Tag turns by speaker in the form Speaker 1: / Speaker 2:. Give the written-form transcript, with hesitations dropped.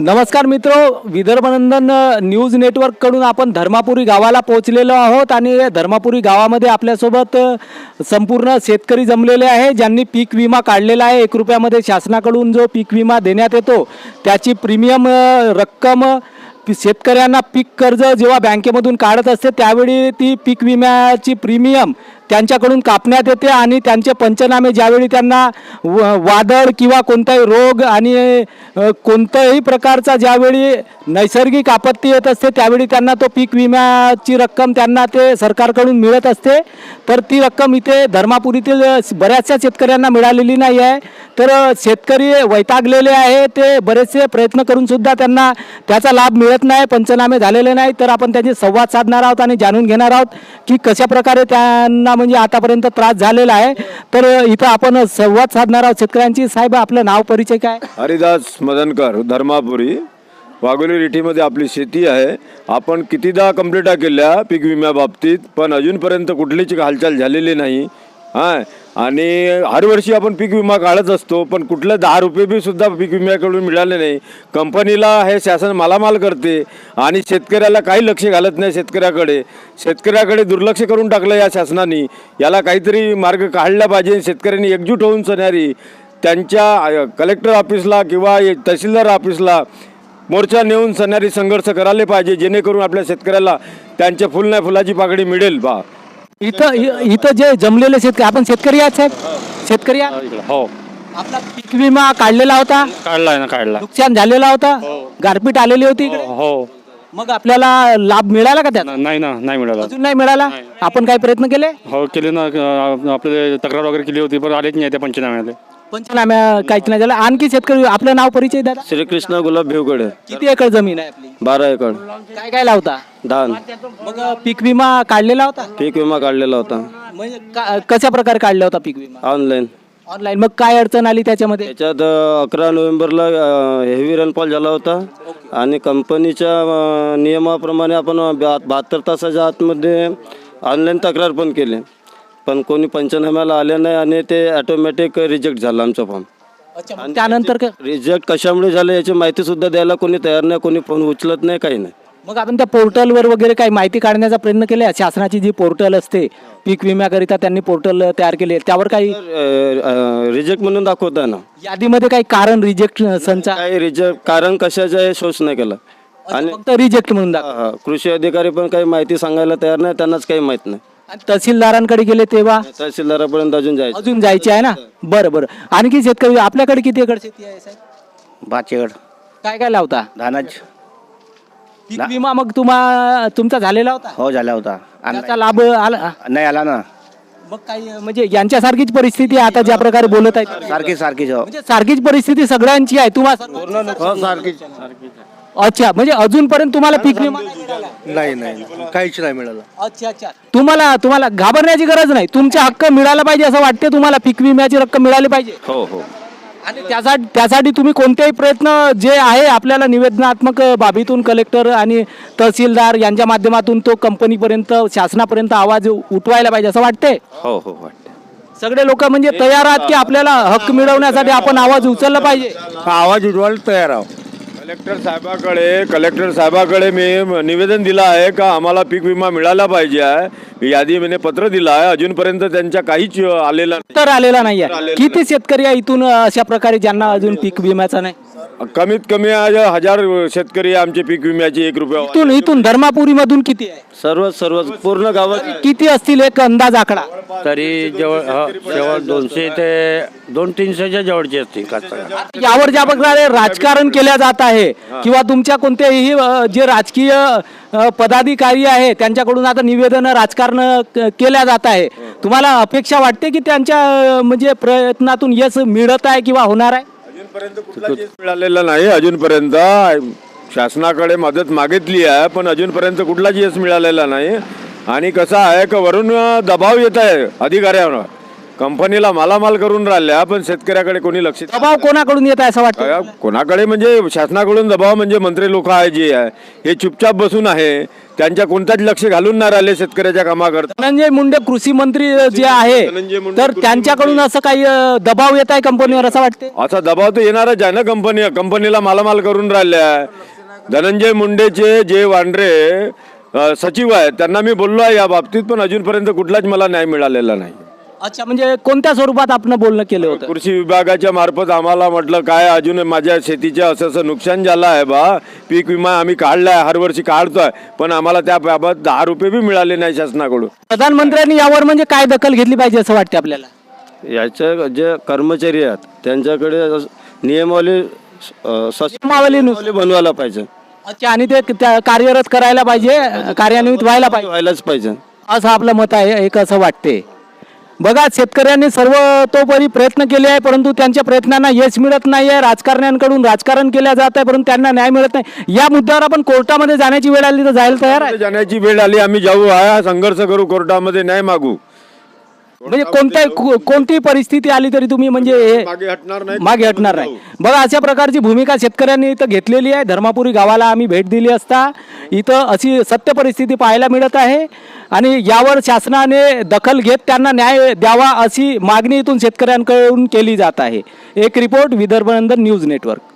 Speaker 1: नमस्कार मित्रो, विदर्भनंदन न्यूज नेटवर्ककडून आपण धर्मापुरी गावाला पोहोचलेलो आहोत आणि धर्मापुरी गावामध्ये आपल्यासोबत संपूर्ण शेतकरी जमलेले आहे ज्यांनी पीक विमा काढलेला आहे। 1 रुपयामध्ये शासनाकडून जो पीक विमा देण्यात येतो त्याची प्रीमियम रक्कम शेतकऱ्यांना पीक कर्ज जेव्हा बँकेमधून काढत असते त्यावेळी ती पीक विम्याची प्रीमियम त्यांच्याकडून कापण्यात येते आणि त्यांचे पंचनामे ज्यावेळी त्यांना वादळ किंवा कोणताही रोग आणि कोणत्याही प्रकारचा ज्यावेळी नैसर्गिक आपत्ती येत असते त्यावेळी त्यांना तो पीक विम्याची रक्कम त्यांना ते सरकारकडून मिळत असते। तर ती रक्कम इथे धर्मापुरीतील बऱ्याचशा शेतकऱ्यांना मिळालेली नाही आहे। तर शेतकरी वैतागलेले आहे, ते बरेचसे प्रयत्न करून सुद्धा त्यांना त्याचा लाभ मिळत नाही, पंचनामे झालेले नाही। तर आपण त्यांची संवाद साधणार आहोत आणि जाणून घेणार आहोत की कशा प्रकारे त्यांना म्हणजे आतापर्यंत त्रास झालेला आहे। तर इथं आपण संवाद साधणार आहोत शेतकऱ्यांची। साहेब, आपलं नाव परिचय काय?
Speaker 2: हरिदास मदनकर, धर्मापुरी, वाघोली रिठीमध्ये आपली शेती आहे। आपण कितीदा कंप्लेंटा केल्या पीक विम्याबाबतीत, पण अजूनपर्यंत कुठलीच हालचाल झालेली नाही। आणि हर वर्षी आपण पीक विमा काढत असतो, पण कुठले 10 रुपये बी सुद्धा पीक विम्याकडून मिळाले नाही। कंपनीला हे शासन मालामाल करते आणि शेतकऱ्याला काही लक्ष घालत नाही। शेतकऱ्याकडे दुर्लक्ष करून टाकलं या शासनाने। याला काहीतरी मार्ग काढला पाहिजे। शेतकऱ्यांनी एकजूट होऊन सणारी त्यांच्या कलेक्टर ऑफिसला किंवा तहसीलदार ऑफिसला मोर्चा नेऊन सणारी संघर्ष करायला पाहिजे, जेणेकरून आपल्या शेतकऱ्याला त्यांच्या फुल नाही फुलाची पाकळी मिळेल बा।
Speaker 1: इथं जे जमलेले शेतकरी, आपण शेतकरी आहात साहेब? शेतकरी आहात?
Speaker 3: हो,
Speaker 1: आपला पीक विमा काढलेला होता?
Speaker 3: काढलाय ना, काढला।
Speaker 1: नुकसान झालेला होता? गारपीट आलेली होती इकडे?
Speaker 3: हो,
Speaker 1: मग आपल्याला लाभ मिळाला का त्याचा?
Speaker 3: नाही ना, नाही मिळाला
Speaker 1: अजून नाही मिळाला। आपण काही प्रयत्न केले?
Speaker 3: हो, केले ना, आपले तक्रार वगैरे केली होती, पण आलेच नाही त्या पंचनाम्याला।
Speaker 1: पंचनाम्या काहीच नाही झालं। आणखी शेतकरी, आपलं नाव परिचय दादा?
Speaker 2: श्रीकृष्ण गुलाब भिवकडे,
Speaker 1: किती एकर जमीन आहे आपली?
Speaker 2: 12 एकर
Speaker 1: काय काय लावता?
Speaker 2: धान।
Speaker 1: मग पीक विमा काढलेला होता?
Speaker 2: पीक विमा काढलेला होता
Speaker 1: म्हणजे कशा प्रकारे काढला होता पीक विमा?
Speaker 2: ऑनलाईन।
Speaker 1: ऑनलाईन। मग काय अडचण आली त्याच्यामध्ये?
Speaker 2: त्याच्यात 11 नोव्हेंबरला हेवी रेनफॉल झाला होता आणि कंपनीच्या नियमाप्रमाणे आपण 72 तासाच्या आतमध्ये ऑनलाईन तक्रार पण केली, पण कोणी पंचनाम्याला आले नाही आणि ते ऑटोमॅटिक रिजेक्ट झालं आमचं फॉर्म।
Speaker 1: आणि त्यानंतर
Speaker 2: रिजेक्ट कशामुळे झालं याची माहिती सुद्धा द्यायला कोणी तयार नाही, कोणी फोन उचलत नाही, काही नाही।
Speaker 1: मग आपण त्या पोर्टलवर वगैरे काही माहिती काढण्याचा प्रयत्न केला? शासनाची जी पोर्टल असते पीक विम्याकरिता त्यांनी पोर्टल तयार केले, त्यावर काही
Speaker 2: रिजेक्ट म्हणून दाखवता ना,
Speaker 1: यादीमध्ये काही कारण रिजेक्ट संचा
Speaker 2: काही रिजेक्ट कारण कशाचं आहे शोष नाही केला आणि
Speaker 1: फक्त रिजेक्ट म्हणून दाखव।
Speaker 2: कृषी अधिकारी पण काही माहिती सांगायला तयार नाही, त्यांनाच काही माहित नाही।
Speaker 1: तहसीलदारांकडे गेले तेव्हा?
Speaker 2: तहसीलदारापर्यंत
Speaker 1: अजून जायचे आहे ना? बरं। आणखी शेतकरी, आपल्याकडे किती एकर शेती आहे साहेब?
Speaker 4: 5 एकर
Speaker 1: काय काय लावता?
Speaker 4: धानाच।
Speaker 1: पीक विमा मग तुमचा झालेला होता?
Speaker 4: हो, झाला होता।
Speaker 1: त्याचा लाभ आला?
Speaker 4: नाही आला ना।
Speaker 1: मग काही म्हणजे यांच्यासारखीच परिस्थिती आहे आता ज्या प्रकारे बोलत आहे?
Speaker 4: सारखीच हो।
Speaker 1: म्हणजे सारखीच परिस्थिती सगळ्यांची आहे तुम्हाला?
Speaker 4: हो, सारखीच।
Speaker 1: अच्छा, म्हणजे अजूनपर्यंत तुम्हाला पीक विमा
Speaker 4: नाही, काहीच नाही मिळालं।
Speaker 1: अच्छा, तुम्हाला घाबरण्याची गरज नाही, तुमचा हक्क मिळाला पाहिजे असं वाटते तुम्हाला? पीक विम्याची रक्कम मिळाली पाहिजे?
Speaker 2: हो।
Speaker 1: आणि त्यासाठी तुम्ही कोणतेही प्रयत्न जे आहे आपल्याला निवेदनात्मक बाबीतून कलेक्टर आणि तहसीलदार यांच्या माध्यमातून तो कंपनीपर्यंत, शासनापर्यंत आवाज उठवायला पाहिजे असं वाटते?
Speaker 2: हो वाटते।
Speaker 1: सगळे लोक म्हणजे तयार आहात की आपल्याला हक्क मिळवण्यासाठी आपण आवाज उचलला पाहिजे?
Speaker 4: आवाज उठवायला तयार आहोत।
Speaker 2: कलेक्टर साहेबाकडे मी निवेदन दिलं आहे का आम्हाला पीक विमा मिळाला पाहिजे आहे, यादी मी पत्र दिलं आहे। अजूनपर्यंत त्यांच्या काहीच आलेला
Speaker 1: तर आलेला नाही आहे। किती शेतकरी आहे इथून अशा प्रकारे ज्यांना अजून पीक विम्याचा नाही?
Speaker 2: कमीत कमी 1000 शेतकरी आमचे पीक विम्याचे 1 रुपया।
Speaker 1: इथून धर्मापुरी मधून किती आहे?
Speaker 2: सर्व पूर्ण गावात
Speaker 1: किती असतील एक अंदाज आकडा?
Speaker 4: तरी जवळ 200 ते 200-300च्या जवळची असते कास्तकार।
Speaker 1: यावर ज्या प्रकारे राजकारण केल्या जात आहे किंवा तुमच्या कोणत्याही जे राजकीय पदाधिकारी आहे त्यांच्याकडून आता निवेदन राजकारण केल्या जात आहे, तुम्हाला अपेक्षा वाटते की त्यांच्या म्हणजे प्रयत्नातून यश मिळत आहे किंवा होणार आहे?
Speaker 2: अजूनपर्यंत मिळालेलं नाही। अजूनपर्यंत शासनाकडे मदत मागितली आहे, पण अजूनपर्यंत कुठलाच यश मिळालेला नाही। आणि कसं आहे की वरून दबाव येत आहे अधिकाऱ्यांवर कंपनीला मालामाल करून राहिल्या, पण शेतकऱ्याकडे कोणी लक्ष
Speaker 1: दबाव कोणाकडून येत आहे असं वाटतं?
Speaker 2: कोणाकडे म्हणजे शासनाकडून दबाव म्हणजे मंत्री लोक आहे जे आहे हे चुपचाप बसून आहे, त्यांच्या कोणत्याच लक्ष घालून नाही राहिले शेतकऱ्याच्या कामाकरता.
Speaker 1: धनंजय मुंडे कृषी मंत्री जे
Speaker 2: धनंजय
Speaker 1: आहे
Speaker 2: मुंडे
Speaker 1: तर
Speaker 2: कृषी
Speaker 1: त्यांच्याकडून असं काही दबाव येत आहे कंपनीवर असं वाटते?
Speaker 2: असा दबाव तर येणारच आहे ना. कंपनीला मालामाल करून राहिल्या. धनंजय मुंडेचे जे वांड्रे सचिव आहेत त्यांना मी बोललो आहे या बाबतीत, पण अजूनपर्यंत कुठलाच मला न्याय मिळालेला नाही.
Speaker 1: अच्छा, म्हणजे कोणत्या स्वरूपात आपण बोलणं केलं होतं?
Speaker 2: कृषी विभागाच्या मार्फत आम्हाला म्हटलं काय अजून माझ्या शेतीचं असं नुकसान झालं आहे बा, पीक विमा आम्ही काढलाय, हर वर्षी काढतोय, पण आम्हाला त्याबाबत 10 रुपये बी मिळाले नाही शासनाकडून.
Speaker 1: प्रधानमंत्र्यांनी यावर म्हणजे काय दखल घेतली पाहिजे असं वाटते आपल्याला?
Speaker 5: याच्या जे कर्मचारी आहेत त्यांच्याकडे नियमावली
Speaker 1: नियमावलीनुसार
Speaker 5: बनवायला पाहिजे,
Speaker 1: अच्छा, आणि ते कार्यरत करायला पाहिजे, कार्यान्वित व्हायला पाहिजे
Speaker 5: व्हायलाच पाहिजे
Speaker 1: असं आपलं मत आहे. एक असं वाटते. बघा, शेतकऱ्यांनी सर्वतोपरी प्रयत्न केले आहे, परंतु त्यांच्या प्रयत्नांना यश मिळत नाही आहे. राजकारण्यांकडून राजकारण केलं जात आहे, परंतु त्यांना न्याय मिळत नाही. या मुद्द्यावर आपण कोर्टामध्ये जाण्याची वेळ आली तर जायला तयार आहे?
Speaker 2: जाण्याची वेळ आली, आम्ही जाऊ, हा संघर्ष करू, कोर्टामध्ये न्याय मागू.
Speaker 1: म्हणजे कोणती परिस्थिती आली तरी तुम्ही म्हणजे हे
Speaker 2: मागे हटणार नाही.
Speaker 1: मागे हटणार नाही. बघा, अशा प्रकारची भूमिका शेतकऱ्यांनी इथं घेतलेली आहे. धर्मापुरी गावाला आम्ही भेट दिली असता इथं अशी सत्य परिस्थिती पाहायला मिळत आहे आणि यावर शासनाने दखल घेत त्यांना न्याय द्यावा अशी मागणी इथून शेतकऱ्यांकडून केली जात आहे. एक report, Vidarbha Nandan news network.